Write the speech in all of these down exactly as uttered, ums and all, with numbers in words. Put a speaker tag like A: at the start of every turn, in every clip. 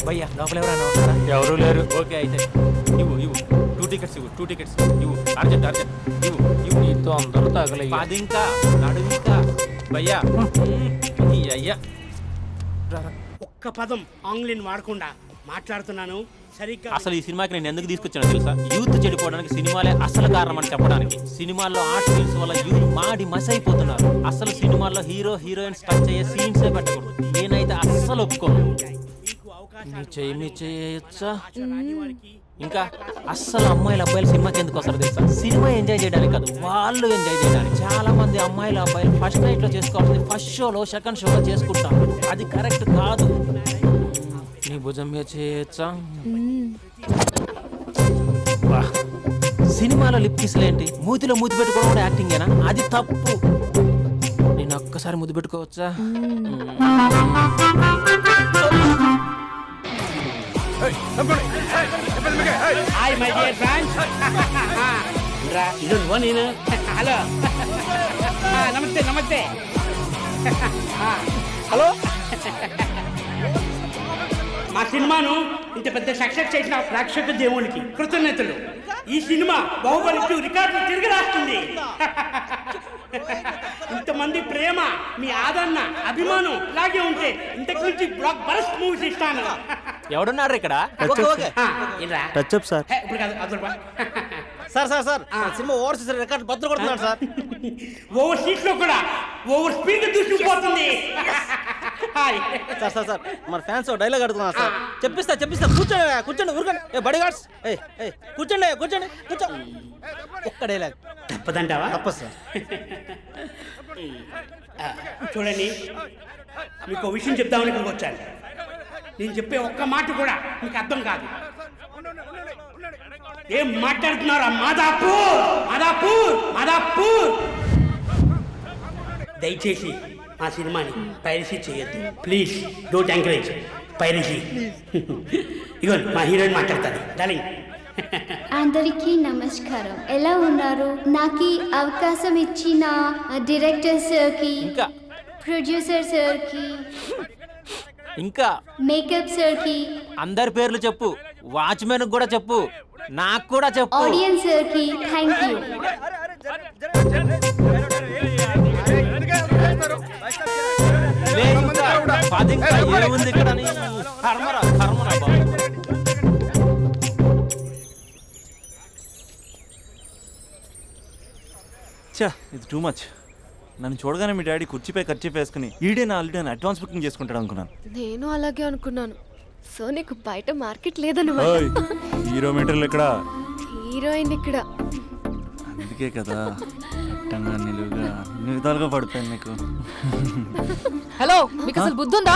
A: భయ్యా లోపల ఎవరైనా ఉన్నారా?
B: ఎవరు లేరు.
A: ఓకే అయితే ఇవ్వు ఇవ్వు టూ టికెట్స్ ఇవ్వు టూ టికెట్స్ ఇవ్వు అర్జెంట్ అర్జెంట్ ఇవ్వు ఇవ్వు
B: నీతో అందరూ తగలయ్యా.
A: పది ఇంకా నడు ఇంకా భయ్యా ఈ అయ్యా
C: ఒక్క పదం ఆంగ్లీన్ వాడకుండా మాట్లాడుతున్నాను సరిగ్గా.
A: అసలు ఈ సినిమాకి నేను ఎందుకు తీసుకొచ్చానో తెలుసా? యూత్ చెడిపోవడానికి సినిమాలే అసలు కారణం అని చెప్పడానికి. సినిమాల్లో ఆర్ట్ ఫిల్మ్స్ వల్ల యూత్ మాడి మస్ అయిపోతున్నారు. అసలు సినిమాల్లో హీరో హీరోయిన్స్ టచ్ అయ్యే సీన్సే పెట్టకూడదు. నేనైతే అస్సలు ఒప్పుకోను. మీ చెయ్యి మీ చేయొచ్చా? ఇంకా అస్సలు అమ్మాయిలు అబ్బాయిలు సినిమాకి ఎందుకు వస్తారు తెలుసా? సినిమా ఎంజాయ్ చేయడానికి కాదు, వాళ్ళు ఎంజాయ్ చేయడానికి. చాలా మంది అమ్మాయిలు అబ్బాయిలు ఫస్ట్ నైట్ లో చేసుకోవాల్సింది ఫస్ట్ షోలో సెకండ్ షోలో చేసుకుంటారు. అది కరెక్ట్ కాదు. నీ భుజం మీద చేయొచ్చా? సినిమాలో లిప్ కిస్లేంటి? మూతిలో మూతి పెట్టుకోవడం కూడా యాక్టింగేనా? అది తప్పు. నేను ఒక్కసారి ముద్దు పెట్టుకోవచ్చా?
C: Hi my dear friends. రా ఇది నువ్వు నేను. హలో నమస్తే నమస్తే. హలో మా సినిమాను ఇంత పెద్ద సక్సెస్ చేసిన ప్రేక్షక దేవునికి కృతజ్ఞతలు. ఈ సినిమా బాహుబలి టూ రికార్డులు తిరిగి రాస్తుంది. ఇంతమంది ప్రేమ, మీ ఆదరణ, అభిమానం ఇలాగే ఉంటే ఇంతకు నుంచి బ్లాక్ బరస్ట్ మూవీస్ ఇస్తాను.
A: ఎవడున్నారు ఇక్కడ?
D: Touch up sir.
C: ఇప్పుడు కాదు అదొక
D: sir sir sir cinema overseas record బద్దలు కొడుతున్నాడు సార్.
C: ఓవర్ సీట్ లో కూడా ఓవర్ స్పీడ్ దూసుకుపోతుంది.
D: సార్ సార్ సార్ మన ఫ్యాన్స్ డైలాగ్ అడుగుతున్నారు సార్. చెప్పిస్తా చెప్పిస్తా కూర్చోండి కూర్చోండి ఊరుకోండి. ఏ బడి గార్డ్స్ ఏ ఏ కూర్చోండి కూర్చోండి కూర్చో. ఒక్క డైలాగ్
C: తప్పదంటావా?
D: తప్పదు సార్.
C: చూడండి, మీకు ఒక విషయం చెప్దామని ఇక్కడికి వచ్చాను. నేను చెప్పే ఒక్క మాట కూడా మీకు అర్థం కాదు. ఏం మాట్లాడుతున్నారా? మాదాపూర్ మాదాపూర్ మాదాపూర్. దయచేసి మా సినిమాని పైరసీ చేయొద్దు ప్లీజ్. Don't encourage piracy. ఇగో మా హీరోయిన్ మాట్లాడతాను. డార్లింగ్
E: అందరికీ నమస్కారం. ఎలా ఉన్నారు? నాకు ఈ అవకాశం ఇచ్చిన డైరెక్టర్ సార్కి,
A: ఇంకా
E: ప్రొడ్యూసర్ సార్కి,
A: ఇంకా
E: మేకప్ సార్కి,
A: అందరి పేర్లు చెప్పు. వాచ్మెన్ కూడా చెప్పు, నాకు కూడా చెప్పు.
E: ఆడియన్స్ సార్కి థ్యాంక్ యూ.
A: లే ఇంకా పది ఇంకా ఏముంది ఇక్కడ అని. కర్మరా కర్మరా బాబు.
F: చా ఇది టూ మచ్. నన్ను చూడగానే మీ డాడీ కుర్చీపై ఖర్చు వేసుకుని ఈడే నా ఆల్రెడీ నేను అడ్వాన్స్ బుకింగ్ చేసుకుంటాడు అనుకున్నాను.
G: నేను అలాగే అనుకున్నాను. సో నీకు బయట మార్కెట్ లేదన్నమాట.
F: హీరో మీటర్లు ఇక్కడ,
G: హీరోయిన్ ఇక్కడ.
F: అందుకే కదా అట్టంగా నిలువుగా అన్ని విధాలుగా పడిపోయాను నీకు.
H: హలో, మీకు అసలు బుద్ధి ఉందా?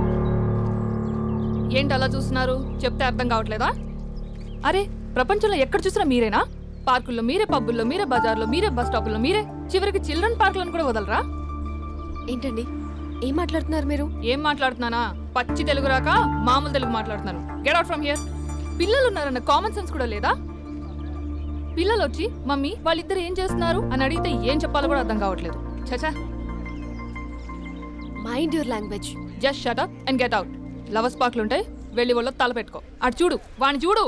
H: ఏంటి అలా చూస్తున్నారు? చెప్తే అర్థం కావట్లేదా? అరే, ప్రపంచంలో ఎక్కడ చూసినా మీరేనా? పార్కుల్లో మీరే, పబ్బుల్లో మీరే, బజార్లో మీరే, బస్ స్టాపుల్లో మీరే, చివరికి చిల్డ్రన్ పార్కులను కూడా వదలరా?
G: ఏంటండి ఏం మాట్లాడుతున్నారు మీరు?
H: ఏం మాట్లాడుతున్నానా? పచ్చి తెలుగు రాక మామూలు తెలుగు మాట్లాడుతున్నాను. Get out from here. పిల్లలు ఉన్నారన్న కామన్ సెన్స్ కూడా లేదా? పిల్లలు వచ్చి మమ్మీ వాళ్ళిద్దరు ఏం చేస్తున్నారు అని అడిగితే ఏం చెప్పాలో కూడా అర్థం కావట్లేదు. చచా.
G: Mind your language.
H: Just shut up and get out. Lovers పార్క్లు ఉంటాయి, వెళ్ళి వాళ్ళ తల పెట్టుకో. అటు చూడు, వాణ్ణి చూడు.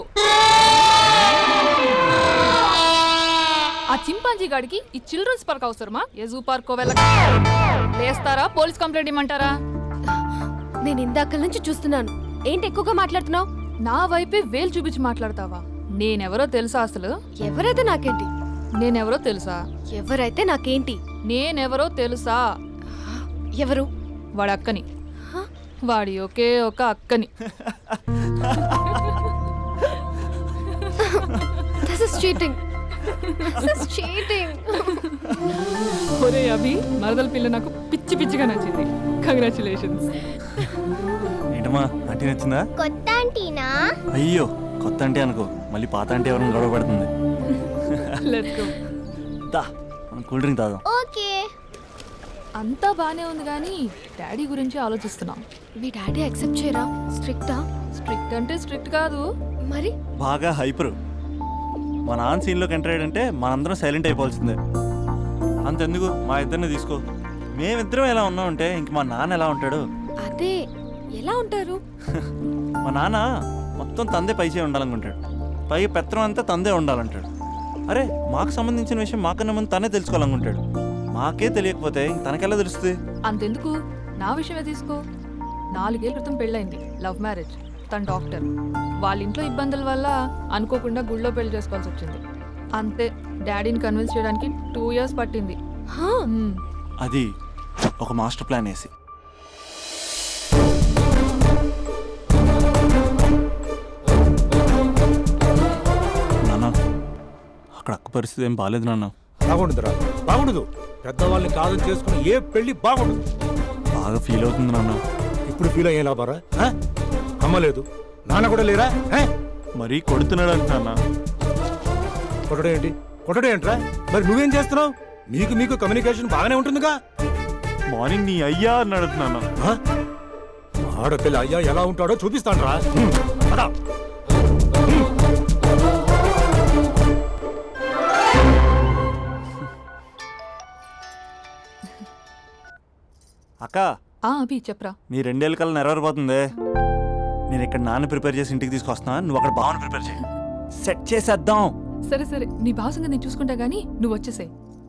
H: ఆ చింపాంజీ గాడికి ఈ చిల్డ్రన్స్ పార్క్ అవసరమా? ఏ జూ పార్క్ వెళ్ళక లేస్తారా? పోలీస్ కంప్లైంట్ ఇమ్మంటారా?
G: నేను ఇందాక నుంచి చూస్తున్నాను. ఏంటి ఎక్కువగా మాట్లాడుతున్నావు?
H: నా వైపే వేలు చూపించి మాట్లాడతావా? నేనెవరో తెలుసా? అసలు
G: ఎవరైతే నాకేంటి?
H: నేనెవరో తెలుసా?
G: ఎవరైతే నాకేంటి?
H: నేనెవరో తెలుసా?
G: ఎవరు?
H: వాడి అక్కని. వాడి ఒకే ఒక అక్కని.
G: This is cheating. This is cheating.
H: ఒరే అభి, మరదల పిల్ల నాకు పిచ్చి పిచ్చిగా నచ్చింది. కంగ్రాచులేషన్స్.
F: ఏంటమ్మా ఆంటీ నచ్చిందా?
E: కొత్త ఆంటీనా?
F: అయ్యో కొత్త అంటే అనుకో, మళ్ళీ పాత అంటే ఎవరైనా గొడవ పడుతుంది.
H: Let's go.
F: దా మనం కూల్ డ్రింక్ తాదాం.
E: ఓకే.
H: అంతా బానే ఉంది కానీ డాడీ గురించి ఆలోచిస్తున్నాం.
G: మీ డాడీ యాక్సెప్ట్ చేయరా? స్ట్రిక్టా?
H: స్ట్రిక్ట్ అంటే స్ట్రిక్ట్ కాదు
G: మరి.
F: బాగా హైపర్. మా నాన్న సీన్లోకి ఎంటర్ అయ్యాడంటే మనందరం సైలెంట్ అయిపోవాల్సిందే. అంతెందుకు మా ఇద్దరిని తీసుకో. మేమిద్దరం ఎలా ఉన్నామంటే ఇంక మా నాన్న ఎలా ఉంటాడు?
G: అదే ఎలా ఉంటారు?
F: మా నాన్న మొత్తం తందే పైచే ఉండాలనుకుంటాడు, పైగా పెత్తనం అంతా తందే ఉండాలంటాడు. అరే మాకు సంబంధించిన విషయం మాకన్నా ముందు తనే తెలుసుకోవాలనుకుంటాడు. మాకే తెలియకపోతే ఇంక తనకెలా తెలుస్తుంది?
H: అంతెందుకు, నా విషయమే తీసుకో. నాలుగేళ్ల క్రితం పెళ్ళైంది, లవ్ మ్యారేజ్. తన డాక్టర్. వాళ్ళ ఇంట్లో ఇబ్బందుల వల్ల అనుకోకుండా గుళ్ళో పెళ్లి చేసుకోవాల్సి వచ్చింది. అంతే, డాడీని కన్విన్స్ చేయడానికి టూ ఇయర్స్ పట్టింది. మ్మ్.
F: అది ఒక మాస్టర్ ప్లాన్ వేసి. నాన్న అక్కడ అక్క పరిస్థితి ఏం బాగాలేదు నాన్న.
B: బాగుండదురా, బాగుండదు. పెద్దవాళ్ళని కాదని చేసుకుని ఏ పెళ్లి బాగుండదు.
F: బాగా ఫీల్ అవుతుంది నాన్న.
B: ఇప్పుడు ఫీల్ అయ్యే లాభారా? ఆ? అమ్మ లేదు, నాన్న కూడా లేరా? ఆ?
F: మరీ కొడుతున్నాడు అంటున్నా.
B: కొట్టడం ఏంటి కొట్టడం ఏంట్రా? మరి నువ్వేం చేస్తున్నావు? మీకు మీకు కమ్యూనికేషన్ బాగానే ఉంటుందిగా.
F: మార్నింగ్ నీ అయ్యా అని అడుగుతున్నాను.
B: ఆ? ఆడపిల్ల అయ్యా ఎలా ఉంటాడో చూపిస్తానురా. హ్మ్. పద. హ్మ్.
F: అక్క
H: ఆ అభి చెప్పరా.
F: నీ రెండేళ్ళ కల్లా నెరవేరిపోతుంది. నేను ఇక్కడ నాన్న ప్రిపేర్ చేసి ఇంటికి తీసుకొస్తున్నా, నువ్వు అక్కడ బావని ప్రిపేర్ చేయి. సెట్ చేసేద్దాం.
H: సరే సరే, నీ భావసంగా నేను చూసుకుంటా గానీ నువ్వు వచ్చేసాయి.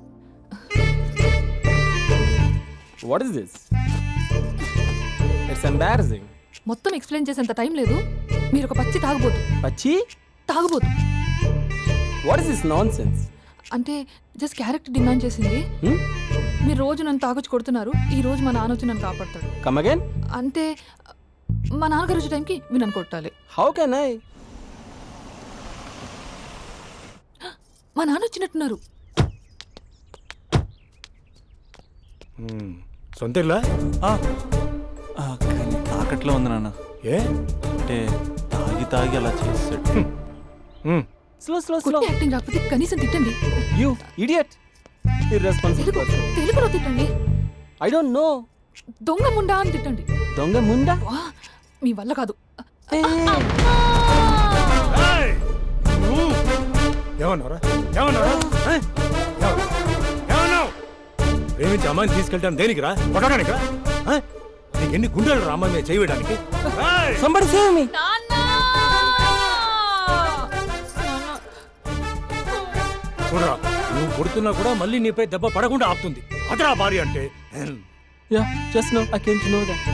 I: What is this? It's embarrassing.
H: మొత్తం ఎక్స్ప్లెయిన్ చేసేంత టైం లేదు. మీరు ఒక పచ్చి తాగుబోతు.
I: Pachi?
H: తాగుబోతు
I: What is this nonsense?
H: అంటే జస్ట్ క్యారెక్టర్ డిమాండ్ చేసింది.
I: Hmm?
H: మీరు రోజు నన్ను తాగొచ్చి కొడుతున్నారు, ఈ రోజు మా నాన్న వచ్చి నన్ను కాపాడతాడు.
I: Come again?
H: అంటే మా నాన్నగారు వచ్చే టైంకి మీరు నన్ను కొట్టాలి.
I: How can I?
H: మా నాన్న వచ్చినట్టున్నారు.
B: హ్మ్. సొంత ఇల్లా?
F: ఆ, ఆ, కానీ తాకట్లో ఉంది నాన్న.
B: ఏ?
F: అంటే తాగి తాగి అలా చేస్తాడు.
B: హ్మ్.
I: Slow, slow, slow.
H: కొట్టి యాక్టింగ్ రాకపోతే కనీసం తిట్టండి.
I: You idiot. Irresponsible
H: Telugu
I: person.
H: తెలుగులో తిట్టండి.
I: I don't know.
H: దొంగ ముండా అని తిట్టండి.
I: Donga munda?
H: వా, మీ వల్ల కాదు.
I: Hey.
B: ఏయ్! నువ్వు ఏమన్నారా? ఏమన్నారా? ఆ? ఏమన్నా- ఏమన్నావు? ప్రేమించి అమ్మాయిని తీసుకెళ్తాను దేనికిరా? కొట్టడానికిరా? ఆ? నీకు ఎన్ని గుండెలు రా అమ్మాయి మీద చేయడానికి?
I: Somebody save me.
B: చూడరా, నువ్వు కొడుతున్నా కూడా మళ్ళీ నీపై దెబ్బ పడకుండా ఆపుతుంది. అదరా భార్య అంటే.
I: Yeah, just now I came to know that.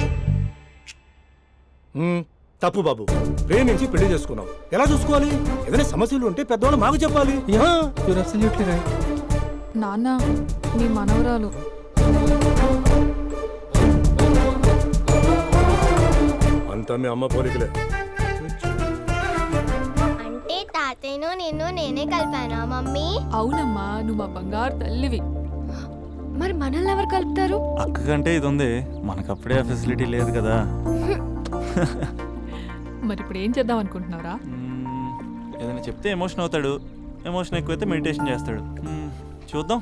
B: హ్మ్. తప్పు బాబు, ప్రేమించి పెళ్లి చేసుకున్నావు. ఎలా చూసుకోవాలి? ఏదైనా సమస్యలు ఉంటే పెద్దవాళ్ళు మాకు చెప్పాలి.
I: Yeah, you're absolutely right.
H: నాన్న, మీ మనవరాలు.
B: అంతా మీ అమ్మ పోలికలే.
E: అంటే తాతయ్యను నిన్ను నేనే కలిపానా మమ్మీ?
H: అవునమ్మా, నువ్వు మా బంగారు తల్లివి.
G: మరి మనల్ని ఎవరు కలుపుతారు?
F: అక్క కంటే ఇది ఉంది, మనకప్పుడే ఆ ఫెసిలిటీ లేదు కదా.
H: మరి ఇప్పుడు ఏం చేద్దాం అనుకుంటున్నారా?
F: మ్మ్, ఏదైనా చెప్తే ఎమోషన్ అవుతాడు, ఎమోషన్ ఎక్కువైతే మెడిటేషన్ చేస్తాడు. మ్మ్, చూద్దాం.